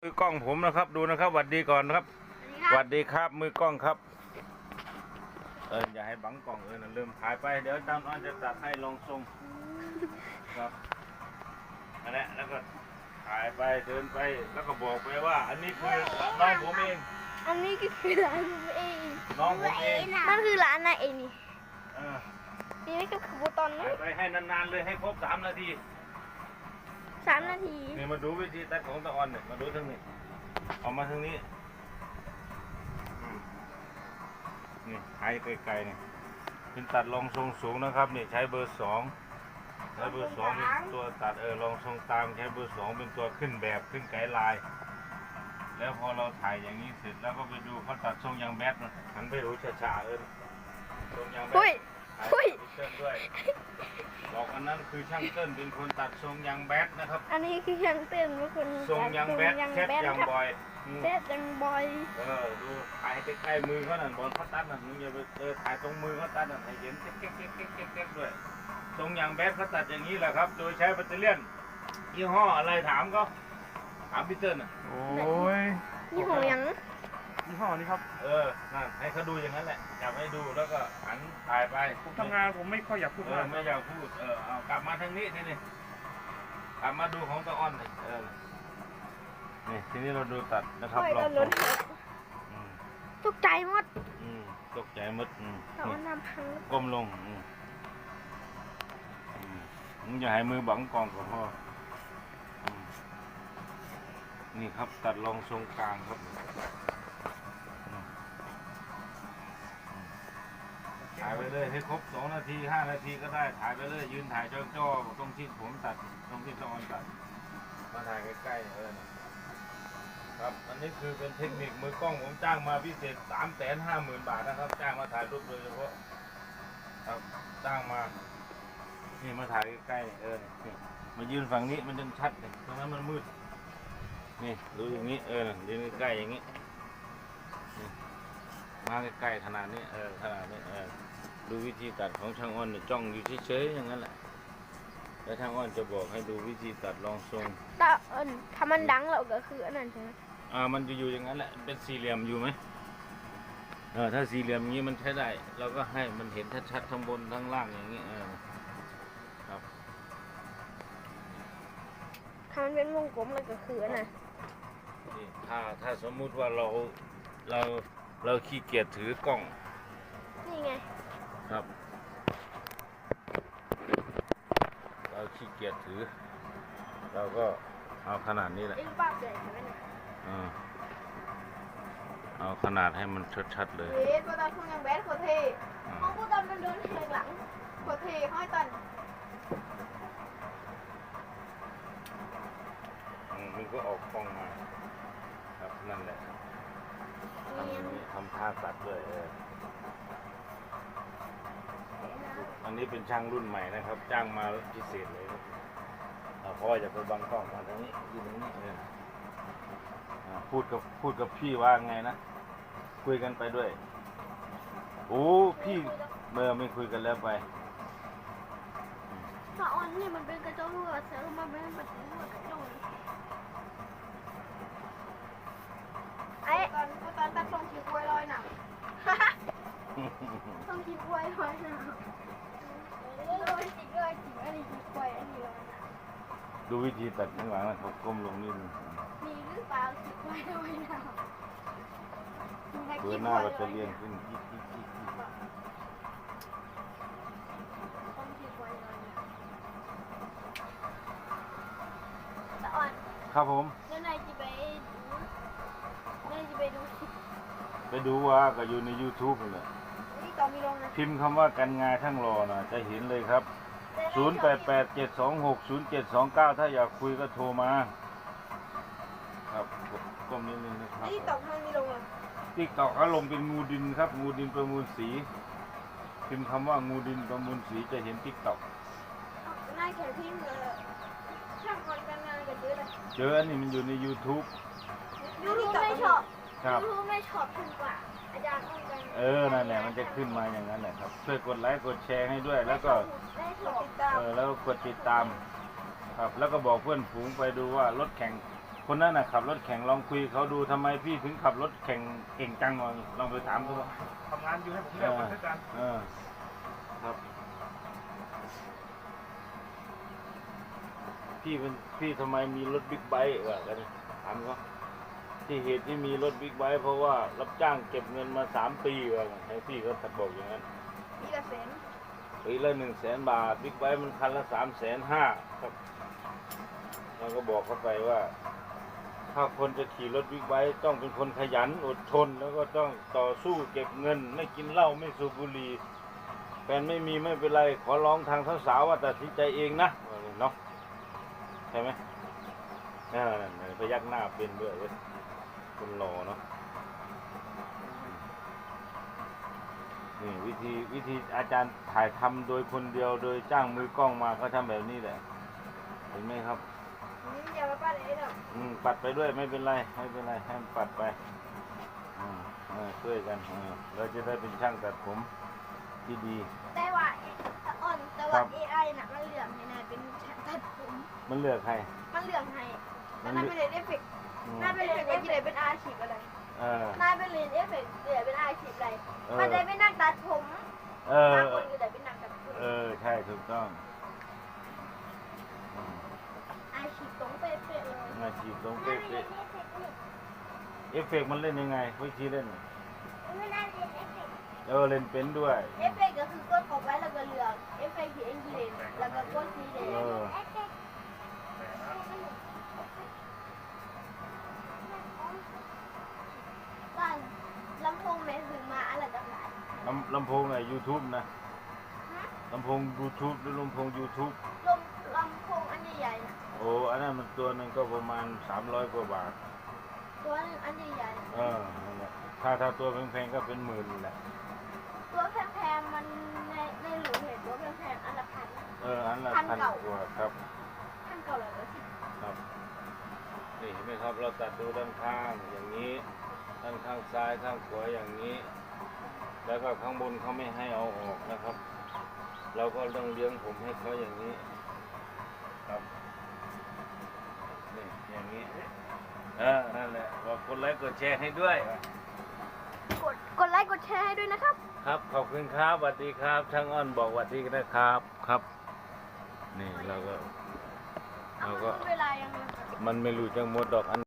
มือกล้องผมนะครับดูนะครับหวัดดีก่อนนะครับหวัดดีครับมือกล้องครับอย่าให้บังกล้องนะลืมถ่ายไปเดี๋ยวจำอ้อนจะตัดให้ลองทรงครับนั่นแหละแล้วก็ถ่ายไปเดินไปแล้วก็บอกไปว่าอันนี้คือน้องผมเองอันนี้ก็คือร้านผมเองน้องผมเองนั่นคือร้านนายเองนี่นี่ก็คือบูตอนนี้ไปให้นานๆเลยให้ครบ3 นาที 3 นาทีนี่มาดูวิธีตัดของตะออนเนี่ยมาดูทางนี้ออกมาทางนี้นี่หายไกลๆเนี่ยเป็นตัดรองทรงสูงนะครับนี่ใช้เบอร์ 2ใช้เบอร์ 2เป็นตัวตัดรองทรงตามใช้เบอร์ 2เป็นตัวขึ้นแบบขึ้นไกด์ไลน์แล้วพอเราถ่ายอย่างนี้เสร็จแล้วก็ไปดูเขาตัดทรงยางแบดนะหันไปดูช้าๆทรงยางแบดเต้นด้วยบอกอันนั้นคือช่างเต้นเป็นคนตัดทรงยางแบดนะครับอันนี้คือช่างเต้นเป็นคนทรงยางแบดแคบยางบอยแคบยางบอยดูถ่ายใกล้ๆมือเขาหน่อยบอลเขาตัดน่ะมึงอย่าไปถ่ายตรงมือเขาตัดน่ะให้เห็นเก๊กๆด้วยทรงยางแบดเขาตัดอย่างนี้แหละครับโดยใช้แบตเตอรี่ยี่ห้ออะไรถามเขาถามพี่เติ้ลน่ะโอ้ยยี่ห้อยังยี่ห้อนี้ครับนั่นให้เขาดูอย่างนั้นแหละจับให้ดูแล้วก็หันถ่ายไปผมทำงานผมไม่ค่อยอยากพูดไม่อยากพูดเอากลับมาทางนี้นี่กลับมาดูของตะอ้อนนี่ทีนี้เราดูตัดนะครับลองตกใจหมดตกใจมดตะอ้อนทำพังก้มลงอย่าให้มือบังกองก็พอนี่ครับตัดรองทรงกลางครับถ่ายไปเลยให้ครบ2 นาที5 นาทีก็ได้ถ่ายไปเลยยืนถ่ายจ้อๆตรงที่ผมตัดตรงที่ตะออนตัดมาถ่ายใกล้ๆครับอันนี้คือเป็นเทคนิคมือกล้องผมจ้างมาพิเศษ350,000 บาทนะครับจ้างมาถ่ายรูปโดยเฉพาะครับจ้างมานี่มาถ่ายใกล้ๆมายืนฝั่งนี้มันจะชัดเลยตรงนั้นมันมืดนี่ดูอย่างนี้ยืนใกล้ๆอย่างนี้มาใกล้ๆขนาดนี้ขนาดนี้ดูวิธีตัดของช่างอ้อนจ้องอยู่เฉยๆอย่างนั้นแหละแล้วช่างอ้อนจะบอกให้ดูวิธีตัดรองทรงถ้ามันดังเราก็คืออันนั้นใช่ไหมมันจะอยู่อย่างนั้นแหละเป็นสี่เหลี่ยมอยู่ไหมถ้าสี่เหลี่ยมอย่างนี้มันใช้ได้เราก็ให้มันเห็นชัดๆทั้งบนทั้งล่างอย่างนี้ครับถ้ามันเป็นวงกลมเราก็คืออันนั้นถ้าสมมุติว่าเราขี้เกียจถือกล้องนี่ไงครับเราขี้เกียจถือเราก็เอาขนาดนี้แหละเอาขนาดให้มันชัดๆเลยเฮ้ยกูตอนทำยังแบดโคเทเพราะกูตอนมันเดินแหกหลังโคเทห้อยตันมันก็ออกกล้องมาครับนั่นแหละทำท่าตัดด้วยอันนี้เป็นช่างรุ่นใหม่นะครับจ้างมาพิเศษเลยครับเพราะว่าจะไปบังกล้องมาตรงนี้ยืนตรงนี้พูดกับพี่ว่าไงนะคุยกันไปด้วยโอ้พี่ไม่คุยกันแล้วไปตะออนนี่มันเป็นกระจกรั่วเสือมันเป็นกระจกตอนตัดทรงขี้กล้วยลอยหนังทรงขี้กล้วยลอยหนังจริงอันนี้ขี้กล้วยอันนี้ลอยหนังดูวิธีตัดข้างหลังนะเขาก้มลงนิดนึงมีหรือเปล่าขี้กล้วยลอยหนังเบื้องหน้าก็จะเรียนขึ้นครับผมแล้วนายจะไปดูไปดูว่าก็อยู่ใน YouTube เลยพิมพ์คำว่ากันงานช่างรอนะจะเห็นเลยครับ0887260729ถ้าอยากคุยก็โทรมาครับก้มนิดนึงนะครับติ๊กตอกมันมีลงอ่ะติ๊กตอกเขาลงเป็นงูดินครับงูดินประมูลสีพิมพ์คำว่างูดินประมูลสีจะเห็นติ๊กตอกนายแค่พิมพ์ช่างคนกันงานกันเจออันนี้มันอยู่ใน YouTube ไม่ชอบครับไม่ชอบถูกกว่าอาจารย์ต้องกันนั่นแหละมันจะขึ้นมาอย่างนั้นแหละครับช่วยกดไลค์กดแชร์ให้ด้วยแล้วก็แล้วก็กดติดตามครับแล้วก็บอกเพื่อนฝูงไปดูว่ารถแข่งคนนั้นน่ะขับรถแข่งลองคุยเขาดูทำไมพี่ถึงขับรถแข่งเก่งจังลองไปถามดูว่าทำงานอยู่ให้ผมเลือกคนด้วยกันครับพี่ทำไมมีรถบิ๊กไบค์วะกันถามเขาที่เหตุที่มีรถบิ๊กไบค์เพราะว่ารับจ้างเก็บเงินมา3 ปีวะให้พี่เขาบอกอย่างนั้นพี่กระเซ็นปีละ100,000 บาทบิ๊กไบค์มันคันละ350,000ครับเราก็บอกเขาไปว่า ถ้าคนจะขี่รถบิ๊กไบค์ต้องเป็นคนขยันอดทนแล้วก็ต้องต่อสู้เก็บเงิน ไม่กินเหล้าไม่สูบบุหรี่แฟนไม่มีไม่เป็นไรขอร้องทางสาวๆว่าตัดสินใจเองนะเนาะใช่ไหมพยักหน้าเป็นด้วยเว้ยคนหล่อเนาะนี่วิธีอาจารย์ถ่ายทำโดยคนเดียวโดยจ้างมือกล้องมาเขาทำแบบนี้แหละเห็นไหมครับอย่ามาปั้นเองหรอกปัดไปด้วยไม่เป็นไรให้มันปัดไปช่วยกันเราจะได้เป็นช่างตัดผมที่ดีแต่ว่าแต่ว่า AI น่ะมันเหลืองให้นายเป็นตัดผมมันเลือกใครมันเหลืองให้แต่นายไปเรียนเอฟเฟกต์นายไปเรียนว่าที่ไหนเป็นอาชีพอะไรเออนายไปเรียนเอฟเฟกต์เดี๋ยวเป็นอาชีพอะไรมันได้เป็นนักตัดผมเออบางคนก็ได้เป็นนักตัดผมใช่ถูกต้องอาชีพตรงเป๊ะๆเลยอาชีพตรงเป๊ะๆเอฟเฟกต์มันเล่นยังไงวิธีเล่นไม่ได้เรียนเอฟเฟกต์เล่นเป็นด้วยเอฟเฟกต์ก็คือกดเข้าไปแล้วก็เลือกเอฟเฟกต์ที่เองเล่นแล้วก็กดสีแดงเอฟเฟกต์บ้านลำโพงแม่ซื้อมาอะไรต่างๆลำโพงไหน YouTube นะลำโพง YouTube หรือลำโพง YouTube ลำโพงอันใหญ่ๆนะโอ้อันนั้นมันตัวหนึงก็ประมาณ300 กว่าบาทตัวหนึงอันใหญ่นั่นแหละถ้าตัวแพงๆก็เป็นหมื่นแหละๆตัวแพงๆมันในหลูเห็นตัวแพงๆอันละพันอันละพันเก่า 1,000 กว่าครับพันเก่าเลยละสิครับนี่เห็นไหมครับเราตัดดูด้านข้างอย่างนี้ ด้านข้างซ้ายข้างขวาอย่างนี้ แล้วก็ข้างบนเขาไม่ให้เอาออกนะครับ เราก็ต้องเลี้ยงผมให้เขาอย่างนี้ครับนี่อย่างนี้นั่นแหละบอกกดไลค์กดแชร์ให้ด้วยกดไลค์กดแชร์ให้ด้วยนะครับครับขอบคุณครับสวัสดีครับช่างอ้อนบอกสวัสดีนะครับครับนี่เราก็เอาเวลายังไงมันไม่รู้จังหมดดอกอัน